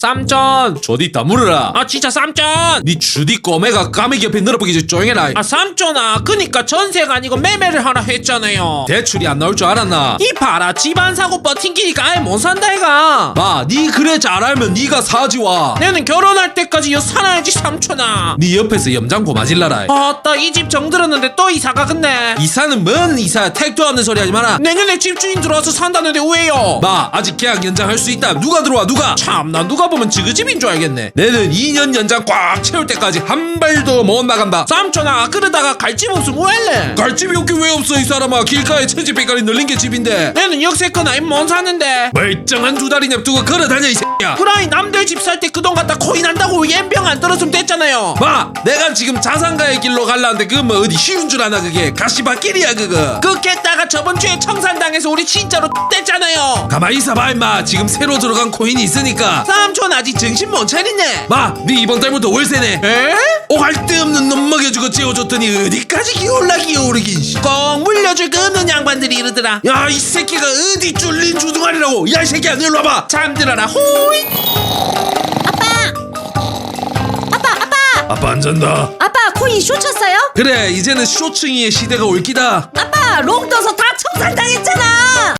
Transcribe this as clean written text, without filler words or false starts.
삼촌 저디 있다 물어라. 아 진짜 삼촌. 니 주디 꼬매가 까매기 옆에 늘어보기 전 조용해라. 아 삼촌아 그니까 전세가 아니고 매매를 하라 했잖아요. 대출이 안 나올 줄 알았나? 이 봐라 집안 사고 버팅기니까 아예 못 산다 이가. 마, 니 그래 잘 알면 니가 사지 와. 내는 결혼할 때까지 여 살아야지 삼촌아. 니 옆에서 염장고 맞을라라. 아따 이 집 정들었는데 또 이사가 근데. 이사는 뭔 이사야. 택도 없는 소리 하지 마라. 내년에 집주인 들어와서 산다는데 왜요? 마, 아직 계약 연장할 수 있다. 누가 들어와 누가? 참나 누가 보면 지그집인 줄 알겠네. 내는 2년 연장 꽉 채울 때까지 한 발도 못 나간다. 삼촌아 그러다가 갈 집 없으면 뭐 할래? 갈 집이 없긴 왜 없어 이 사람아. 길가에 천지백갈이 널린 게 집인데. 내는 역세권 아니면 못 사는데. 멀쩡한 두 다리 냅두고 걸어다녀 이 새끼야. 그라이 남들 집 살 때 그 돈 갖다 코인 한다고 옌병 안 떨어지면 됐잖아요. 마, 내가 지금 자산가의 길로 갈라는데 그거 뭐 어디 쉬운 줄 아나. 그게 가시밭길이야 그거. 그겠다가 저번 주에 청산당해서 우리 진짜로 됐잖아요. 가만히 있어봐 임마. 지금 새로 들어간 코인이 있으니까. 삼촌 아직 정신 못 차리네. 마, 니 이번 달부터 월세네. 에? 오갈 데 없는 놈 먹여주고 재워줬더니 어디까지 기어올라 기어오르긴. 꼭 물려줄 거 없는 양반들이 이러더라. 야, 이 새끼가 어디 쫄린 주둥아리라고. 야, 이 새끼야 너 일로 와봐. 잠들어라 호이. 아빠 안 잔다. 아빠 코인 쇼 쳤어요? 그래, 이제는 쇼층이의 시대가 올 기다. 아빠 롱 떠서 다 청산당했잖아.